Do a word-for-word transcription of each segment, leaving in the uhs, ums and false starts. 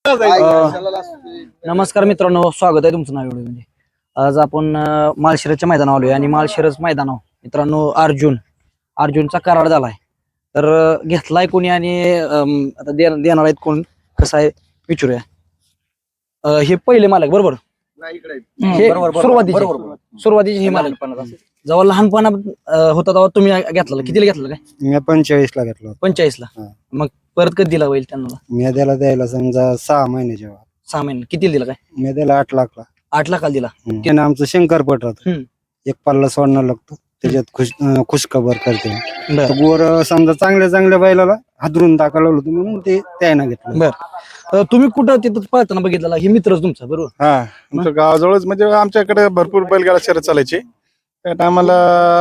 नमस्कार मित्रांनो, स्वागत आहे तुमचं नाव एवढं. म्हणजे आज आपण माळशिरसच्या मैदानावर आलोय आणि माळशिरस मैदानावर मित्रांनो अर्जुन अर्जुनचा करार झालाय. तर अं, घेतलाय कोणी आणि अं, आता दे- देणार आहेत कोण, कसं आहे विचारूया. अं, हे पहिले मालक बरोबर, हे सुरुवातीचे सुरुवातीचे हे मालक जेव्हा लहानपणात अं, होता तेव्हा तुम्ही घेतला, कितीला घेतला काय? मी पंचेचाळीस ला घेतला होता. पंचेचाळीस ला. हा. मग परत कधी दिला होईल त्यांना? मी त्याला द्यायला समजा सहा महिने जेव्हा सहा महिने किती दिला काय? मी त्याला आठ लाखला. आठ लाखाला दिला. त्याने आमचं शंकरपट राहत, हम्म. एक पल्ला सोडणं लागतो त्याच्यात खुश अं, खुशखबर करते. बर तर गोर समजा चांगल्या चांगल्या बैलाला हादरून टाकायला होतं म्हणून ते त्यानं घेतलं. बर अं, तुम्ही कुठं तिथं पळताना बघितला? हे मित्रच तुमचा बरोबर? हा आमच्या गावाजवळच, म्हणजे आमच्याकडे भरपूर बैलगाडा शर्यत चालायची त्या टायमाला.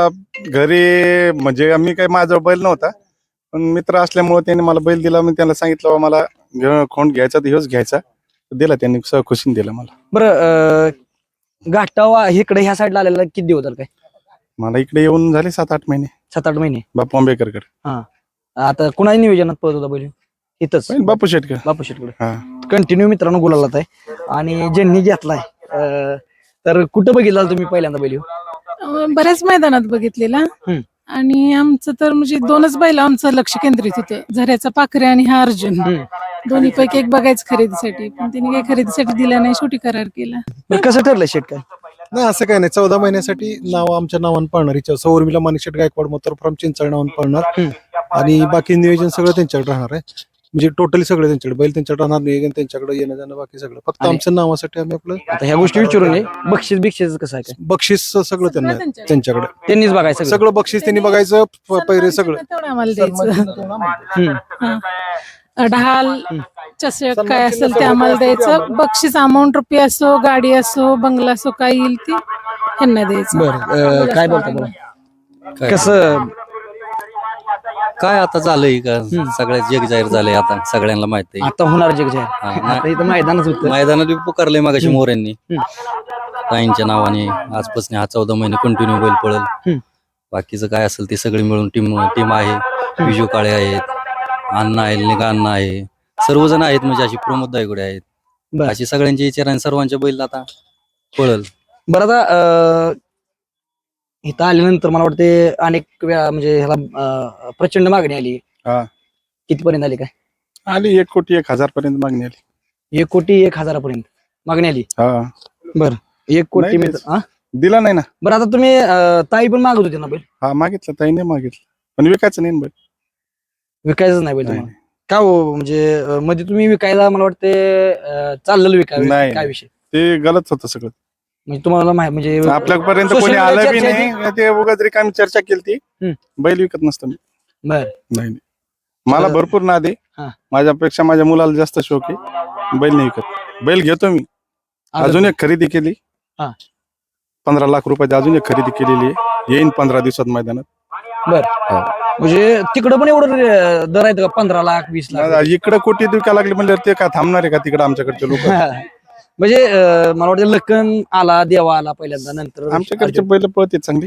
घरी म्हणजे आम्ही काही माझा बैल नव्हता, पण मित्र असल्यामुळे त्यांनी मला बैल दिला. मी त्यांना सांगितलं बाबा मला घे- खोंड घ्यायचा तर ह्योच घ्यायचा, दिला त्यांनी, सह खुशीने दिला मला. बरं घाटावा इकडे ह्या साईडला आलेला किती दिवस झाले काय? मला इकडे येऊन झाले सात आठ महिने, सात आठ महिने. बापू आंबेकरकडे. हा, आता कुणाच्या नियोजनात पळत होता बैल? इथंच बैल बापू शेटकर. बापू शेटकडे हा कंटिन्यू मित्रांनो गुलालात आहे. आणि ज्यांनी घेतलाय अं, तर कुठं बघितला तुम्ही पहिल्यांदा बैल ह्यो? अं, बऱ्याच मैदानात बघितलेला. हम्म. आणि आमचं तर म्हणजे दोनच बैल आमचं लक्ष केंद्रित होतं, झऱ्याचा पाखरे आणि हा अर्जुन. हम्म. दोन्ही पैकी एक बघायचं खरेदीसाठी, पण त्यांनी काही खरेदीसाठी दिला नाही, शेवटी करार केला. बरं, कसं ठरलं शेट काय? नाही असं काही नाही. चौदा महिन्यासाठी नाव आमच्या नावानं पळणार, हिच्या सौर्मिला माणिकशेट गायकवाड मोतर फ्रॉम चिंचळ नावानं पळणार. आणि बाकी नियोजन सगळं त्यांच्याकडे राहणार आहे. म्हणजे टोटली सगळं त्यांच्याकडे, बैल त्यांच्याकडे राहणार, नियोजन त्यांच्याकडे, येणं जाणं बाकी सगळं. फक्त आणि- आमच्या नावासाठी आम्ही आपलं आता ह्या गोष्टी विचारून ये. बक्षीस बिक्षीस कसं आहे काय? बक्षीस सगळं त्यांना आहे, त्यांच्याकडे. त्यांच्याकडे त्यांनीच बघायचं सगळं? सगळं बक्षीस त्यांनी बघायचं, प- पैरे सगळं. तेवढं आम्हाला द्यायचं. हम्म. हा. ढाल चषक काय असेल ते आम्हाला द्यायचं. बक्षीस अमाऊंट रुपये असो, गाडी असो, बंगला असो, काय येईल ती त्यांना द्यायचं. बरं काय बोलता बरं, कसं काय आता झालंय का सगळ्या जग जाहीर झालंय, आता सगळ्यांना माहिती आहे. आता होणार जग जाहीर? हा, आता इथं मैदानच होतं. मैदानात बी पुकारलंय मागाशी हम्म. मोऱ्यांनी ताईंच्या नावाने. आजपासून हा चौदा महिने कंटिन्यू बैल पळेल. हम्म. बाकीचं काय असेल ते सगळे मिळून टीम टीम आहे. विजू काळे आहेत, अण्णा आहे, निगा अण्णा आहे, सर्वजण आहेत. म्हणजे अशी प्रमोद दायगुडे आहेत. बरं. अशी सगळ्यांची विचार आणि सर्वांच्या बैल आता पळल. बरं आता अं, इथं आल्यानंतर मला वाटते अनेक वेळा म्हणजे ह्याला अं, प्रचंड मागणी आली. हा. कितीपर्यंत आली काय? आली एक कोटी एक हजार पर्यंत मागणी आली. एक कोटी एक हजारापर्यंत मागणी आली. हा बरं, एक कोटी नाही मित्र- हा? दिला नाही ना. बरं आता तुम्ही अं, ताई पण मागत होते ना बैल? हा मागितलं, ताईने मागितलं, पण विकायचं नाही ना बैल. विकायचं नाही बैल नाही. तुम्हाला? का हो, म्हणजे अं, मध्ये तुम्ही विकायला मला वाटते अं, चाललेलं विकाय नाही. काय विषय? ते गलत होतं सगळं. म्हणजे तुम्हाला माहिती म्हणजे आपल्यापर्यंत social कोणी media आलं बी चर्चा नाही, ते उगाच रिकामी चर्चा केली ती. हम्म. बैल विकत नसतं मी. बर नाही नाही. मला तर- भरपूर नाद आहे. हा. माझ्यापेक्षा माझ्या मुलाला जास्त शौक आहे. बैल नाही विकत, बैल घेतो मी. अजून एक खरेदी केली, हा. पंधरा लाख रुपयाची अजून एक खरेदी केलेली आहे, येईन पंधरा दिवसात मैदानात. बर म्हणजे तिकडं पण एवढं रे- दर आहेत का? पंधरा लाख वीस लाख? इकडे कोटी विकायला लागले म्हणजे ते काय थांबणार आहे का तिकडे आमच्याकडचे लोक? म्हणजे अं, मला वाटतं लखन आला, देवा आला पहिल्यांदा, नंतर आमच्याकडचे बैल पळते चांगली.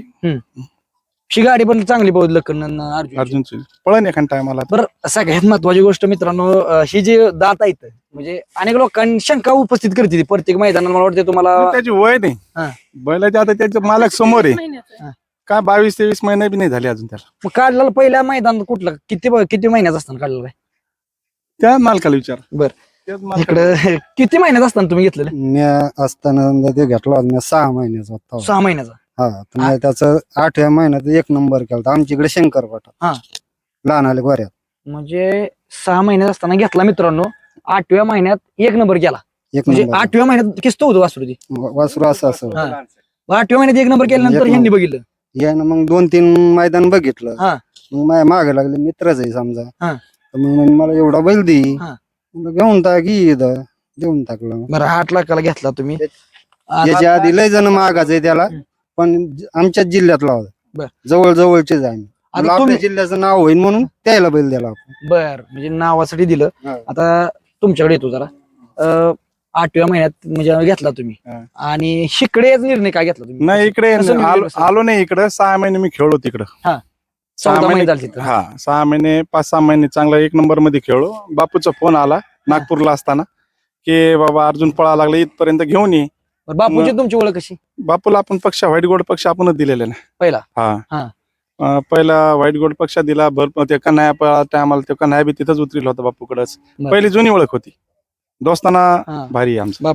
शी गाडी पण चांगली बहुत लखन आणि अर्जुन. अर्जुनची पळण एखाद टायमाला. बरं सगळ्यात महत्वाची गोष्ट मित्रांनो, अं, ही जी दात आहेत म्हणजे अनेक लोकांनी शंका उपस्थित करते ती प्रत्येक मैदानात. मला वाटतं तुम्हाला त्याची वय नाही हा. बैलाचे, आता त्याचे मालक समोर आहे. महिन्याचं. काय बावीस तेवीस महिने बी नाही झाले अजून त्याला. मग काढलेलं पहिल्या मैदानात कुठलं किती किती महिन्याचं असताना काढलेलं काय? त्या मालकाला विचार. बर. त्याच मालकाला. इकडं किती महिन्यात असताना तुम्ही घेतलेलं? मी असताना ते घेतला होता मी सहा महिन्याचा होता. सहा महिन्याचा. हा तर मी त्याचं आठव्या महिन्यात एक नंबर केला आमच्याकडे शंकरपट हा. लहान आले गोऱ्यात. म्हणजे सहा महिन्यात असताना घेतला मित्रांनो, आठव्या महिन्यात एक नंबर केला. एक म्हणजे नंबर आठव्या महिन्यात किस्त होतो वासरू ती. वासरू असं असं हा. मग आठव्या महिन्यात एक नंबर केल्यानंतर एक ह्यांनी नंबर. बघितलं. यानं मग दोन तीन मैदान बघितलं. हा. मग माझ्या मागे लागले, मित्रच आहे समजा. हा. तर मग म्हणे मला एवढा बैल दे. हा. म्हणलं घेऊन टाक इथं. देऊन टाकलं. बरं आठ लाखाला घेतला तुम्ही. याच्या आधी लय जण मागायचे त्याला, पण ज- आमच्याच जिल्ह्यातला बर. होता. जवळ जवळचेच आहे आम्ही. आता म्हणलं तुम्ही- आपल्या जिल्ह्याचं नाव होईल म्हणून त्याला बैल दिला आपण. बर म्हणजे नावासाठी दिलं. हा. आता तुमच्याकडे येतो जरा. अं, आठव्या महिन्यात म्हणजे घेतला तुम्ही हा. आणि शिकडेच निर्णय काय घेतला तुम्ही? नाही इकडे कसं नियोजन आलो कसं? आलो नाही इकडे. सहा महिने मी खेळलो तिकडं. हा. सहा चौदा महिने महिने झाले तिथं. हा सहा महिने पाच सहा महिने चांगला एक नंबर मध्ये खेळलो. बापूचा फोन आला नागपूरला असताना, की बाबा अर्जुन पळा लागला इथपर्यंत घेऊन ये. बरं, बापूची तुमची ओळख कशी? बापूला आपण पक्ष व्हाईट गोल्ड पक्ष आपणच दिलेला ना पहिला हा. हा अं, पहिला व्हाईट गोल्ड पक्ष दिला. भरपूर ते कन्हैया पळा टायमाला ते कन्हैया बी तिथंच उतरला होता बापूकडच. बरं. पहिली जुनी ओळख होती दोस्ताना हा. भारी आहे आमचं.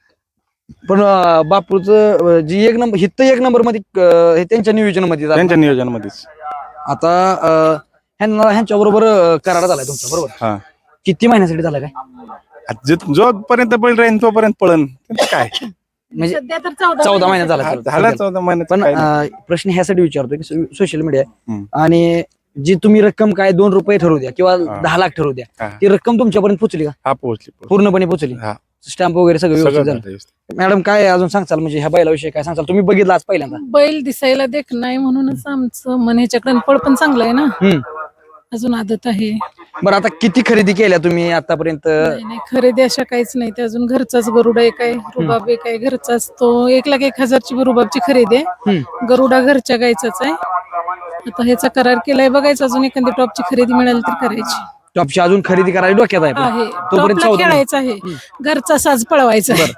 पण अं, बापूचं अं, जी एक नंबर हित एक नंबर मध्ये अं, हे त्यांच्या नियोजनामध्ये झालं. त्यांच्या नियोजनामध्येच आता अं, ह्यांना ह्यांच्या बरोबर करार झालाय तुमचा बरोबर? हा किती महिन्यासाठी झाला काय? आता जो- जोपर्यंत बैल राहील तोपर्यंत पळन त्यांचं काय म्हणजे सध्या तर चौदा चौदा महिन्यात झाला हा, सर. झाला चौदा महिन्यात पण काय नाही. अं, प्रश्न ह्यासाठी विचारतो की सोशल मीडिया हम्म. आणि जी तुम्ही रक्कम काय दोन रुपये ठरवू द्या किंवा हा. दहा लाख ठरवू द्या, हा. ती रक्कम तुमच्यापर्यंत पोहोचली का? हा पोहोचली पोहोचली. पूर्णपणे पोहोचली? हा स्टॅम्प वगैरे सगळं सगळं व्यवस्थित झालं झालं? व्यवस्थित. मॅडम काय अजून सांगचाल म्हणजे ह्या बैलाविषयी काय सांगचाल? तुम्ही बघितलं आज पहिल्यांदा? बैल दिसायला देख नाही म्हणूनच आमचं मन ह्याच्याकडे पळ पण चांगलं आहे ना. हम्म. अजून आदत आहे. बरं, आता किती खरेदी केल्या तुम्ही आतापर्यंत? नाही नाही, खरेदी अशा काहीच नाही. ते अजून घरचाच गरुडा एक आहे, रुबाब एक आहे घरचाच. तो एक लाख एक हजारची रुबाबची खरेदी आहे. हम्म. गरुडा घरच्या गायचाच आहे. आता ह्याचा करार केलाय, बघायचं अजून एखादी टॉपची खरेदी मिळाली तर करायची टॉपची अजून खरेदी करायला डोक्यात आहे पण. आहे. तोपर्यंत टॉपला चौदा खेळायचं आहे, घरचा साज पळवायचा आहे.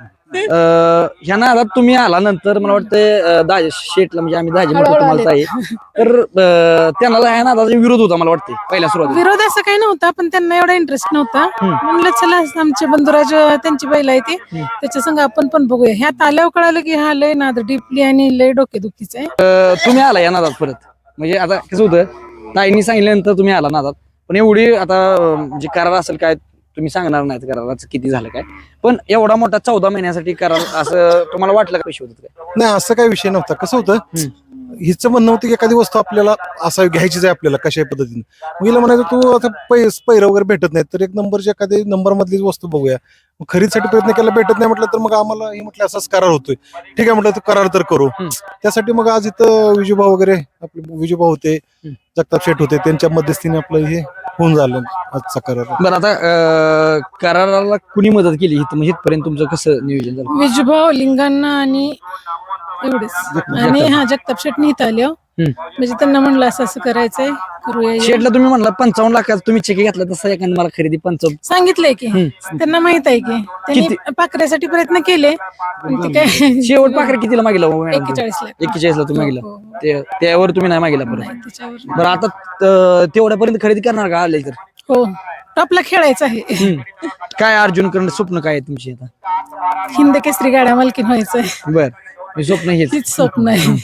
अं, ह्या नादात तुम्ही आला नंतर मला वाटतं दाजे शेटला म्हणजे आम्ही दाजे म्हणतो हळूहळू तुम्हाला ताई, तर अं, त्यांना ह्या नादाचा विरोध होता मला वाटतं पहिल्या सुरुवातीला. विरोध असं काही नव्हता, पण त्यांना एवढा इंटरेस्ट नव्हता. म्हणलं चला आमचे बंधुराज त्यांची बैल आहे ती, त्याच्या संग आपण पण बघूया. ह्यात आल्यावर कळालं की हा लय नाद डीपली आणि लय डोकेदुखीचा आहे. अं, तुम्ही आला या नादात परत, म्हणजे आता कसं होतं ताईंनी सांगितल्यानंतर तुम्ही आला नादात, पण एवढी आता अं, म्हणजे करार असेल काय तुम्ही सांगणार नाहीत कराराचं किती झालं काय, पण एवढा मोठा चौदा महिन्यासाठी करार असं तुम्हाला वाटलं का पैसे होतात काय? नाही, असं काही विषय नव्हता. कसं होतं, हिचं म्हणणं होतं की एखादी वस्तू आपल्याला असं घ्यायचीच आहे आपल्याला कशा पद्धतीने. मग हिला म्हणायचं तू आता पै पैर वगैरे भेटत नाही तर एक नंबरची एखादी नंबर मधलीच वस्तू बघूया. मग खरेदीसाठी प्रयत्न केला, भेटत नाही म्हटलं तर मग आम्हाला हे म्हटलं असाच करार होतोय. ठीक आहे म्हटलं तर करार तर करू. त्यासाठी मग आज इथं विजूभाऊ वगैरे आपले विजूभाऊ होते, जगताप शेठ होते, त्यांच्या मध्यस्थीने आपलं हे होऊन झालं आजचा करार. बरं, आता अं, कराराला कुणी मदत केली इथं म्हणजे इथपर्यंत तुमचं कसं नियोजन झालं? विजूभाऊ लिंगांना आणि एवढेच, आणि हा जगताप शेटनी इथं आले हो. म्हणजे त्यांना म्हणलं असं असं करायचंय, करूया. शेटला तुम्ही म्हणला पंचावन्न लाखाचा तुम्ही चेक घेतला, तसा एखादी मला खरेदी पंचावन्न सांगितलंय की त्यांना माहित आहे की त्यांनी पाकऱ्यासाठी प्रयत्न केले, पण ते काय शेवट पाखरे कितीला मागितला हो मॅडम? एक्केचाळीस लाख एक्केचाळीस ला तुम्ही मागितला, हो, हो. ते त्यावर तुम्ही नाही मागितला परत. नाही, त्याच्यावर बरं, आता त- तेवढ्यापर्यंत खरेदी करणार का आले तर? हो, टॉपला खेळायचं आहे. हम्म. काय अर्जुन करण स्वप्न काय आहे तुमची आता? हिंद केसरी गाड्या मालकीन व्हायचंय, बर, हे स्वप्न हेच. तीच स्वप्न आहे.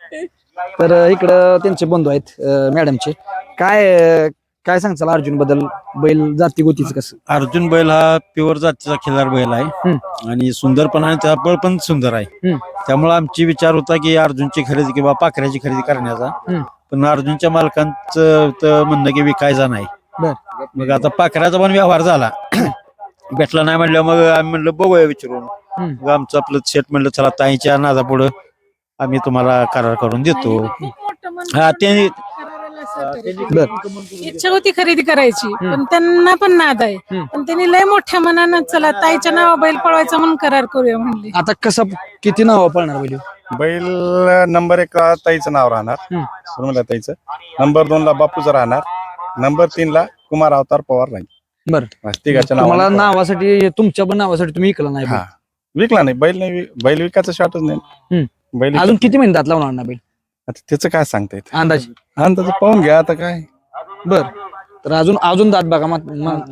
तर इकडं त्यांचे बंधू आहेत अं, मॅडमचे. काय अं, काय सांगचाल अर्जुन बद्दल? बैल जाती गोतीच कसं? अर्जुन बैल हा प्युअर जातीचा खिलार बैल आहे आणि सुंदर पण आहे, त्याचा बळ पण सुंदर आहे. हम्म. त्यामुळे आमची विचार होता की अर्जुनची खरेदी किंवा पाखऱ्याची खरेदी करण्याचा, हम्म. पण अर्जुनच्या मालकांचं तर म्हणणं की विकायचा नाही. बर. मग आता पाखऱ्याचा पण व्यवहार झाला, भेटला नाही म्हणलं, मग आम्ही म्हणलं बघूया विचारून. हम्म. मग आमचं आपलं शेट म्हणलं चला ताईच्या नादा पुढं आम्ही तुम्हाला करार करून देतो. खूप मोठं मन हा ते कराराला सहकार्य बर. इच्छा होती खरेदी करायची, पण त्यांना पण नाद आहे. पण त्यांनी लय मोठ्या मनानं चला ताईच्या नावा बैल पळवायचा म्हणून करार करूया म्हणले. आता कसं किती नाव पळणार बैल? बैल नंबर एक ला ताईचं नाव राहणार, हम्म. सुरमला ताईचं. नंबर दोन ला बापूचं राहणार. नंबर तीन ला कुमार अवतार पवार राहील. बरं, बस, तिघाच्या तुम्हाला नावाने पवार. नावासाठी तुमच्या पण नावासाठी तुम्ही इकला नाही बैल. हा विकला नाही बैल, नाही वि- बैल विकायचा शॉटच नाही. हम्म. बैल अजून किती महिने दात लावणार ना बैल आता त्याचं काय सांगता येत अंदाज? अंदाज पाहून घ्या आता काय. बर, तर अजून अजून दात बघा मग मग-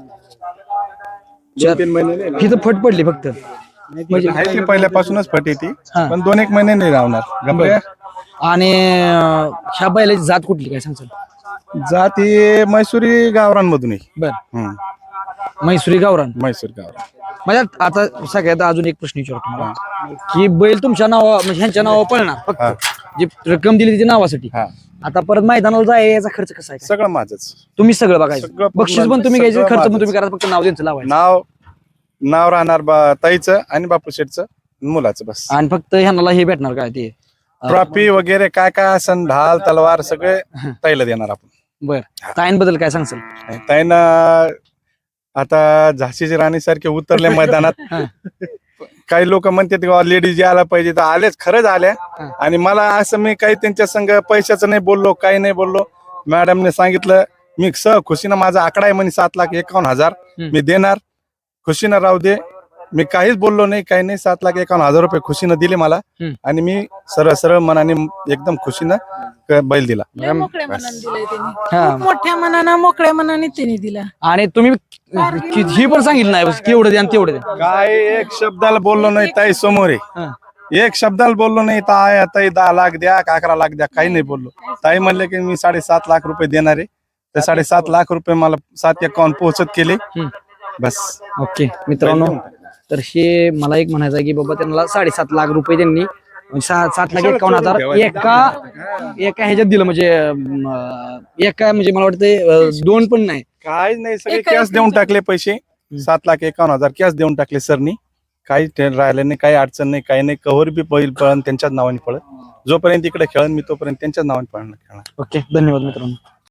चार- तीन महिने नाही. ही तर फट पडली फक्त म्हणजे. आहे ती पहिल्यापासूनच फट येते, हा. पण दोन एक महिने नाही राहणार. गप्रे आणि अं, ह्या बैलाची जात कुठली काय सांगचाल? जात ही मैसुरी गावरांमधून आहे. बर, हम्म. म्हैसुरी गावरान. मैसूर गावरान. म्हणजे आता सगळ्यात अजून एक प्रश्न विचारतो तुम्हाला की बैल तुमच्या नावा म्हणजे ह्यांच्या नावावर पळणार हा. फक्त जी रक्कम दिली ती नावासाठी. हा आता परत मैदानाला जाय याचा खर्च कसा आहे? सगळं माझच. तुम्ही सगळं बघायचं, सगळं पूर्ण बक्षीस पण तुम्ही घ्यायचे, सगळं खर्च पण माझंच. तुम्ही करा, फक्त नाव त्यांचं लावायचं नाव नाव राहणार बा- ताईचं आणि बापू शेठचं मुलाचं बस. आणि फक्त ह्यांना हे भेटणार काय ते अं, ट्रॉफी वगैरे काय काय असन ढाल तलवार सगळे ताईला देणार आपण. बर, ताईंबद्दल काय सांगचाल? ताईनं आता झाशीची राणी सारखे उतरले मैदानात. हा. काही लोक म्हणतात की लेडीज यायला पाहिजे, तर आलेच, खरंच आल्या. हा. आणि मला असं मी काही त्यांच्या संग पैशाचं नाही बोललो, काही नाही बोललो. मॅडमने सांगितलं मी स खुशीनं माझा आकडा आहे म्हणे सात लाख एकावन्न हजार हम्म. मी देणार, खुशीनं राहू दे. मी काहीच बोललो नाही, काही नाही. सात लाख एकावन्न हजार रुपये खुशीनं दिले मला हम्म. आणि मी सरळ सरळ मनाने एकदम खुशीनं क- बैल दिला. लय मोकळ्या मनाने दिलाय त्यांनी. हा. खूप मोठ्या मनानं मोकळ्या मनाने त्यांनी दिला. आणि तुम्ही कि- ही पण सांगितलं नाही की एवढं द्या आणि तेवढं द्या. काय एक शब्दाला बोललो नाही ताई समोर हा. आहे. एक शब्दाला बोललो नाही. ताई ताई दहा लाख द्या का अकरा लाख द्या, काही नाही बोललो. ताई म्हणले की मी साडेसात लाख रुपये देणार आहे. ते साडेसात लाख रुपये मला सात एकावन्न पोहोचत केले. हम्म. बस. ओके मित्रांनो, तर हे मला एक म्हणायचं आहे की बाबा त्यांना साडेसात लाख रुपये त्यांनी म्हणजे सा- सात लाख एकावन्न हजार एका एका ह्याच्यात दिलं म्हणजे अं, एका म्हणजे मला वाटतं अं, दोन पण नाही. काहीच नाही, सगळे एका कॅश देऊन टाकले पैसे. सात लाख एकावन्न हजार कॅश देऊन टाकले सरनी. काही ते राहिलं नाही, काही अडचण नाही, काही नाही. कव्हर बी बैल पळण त्यांच्याच नावाने पळत. जोपर्यंत इकडे खेळन मी तोपर्यंत त्यांच्याच नावाने पळणार खेळणार. ओके, धन्यवाद मित्रांनो.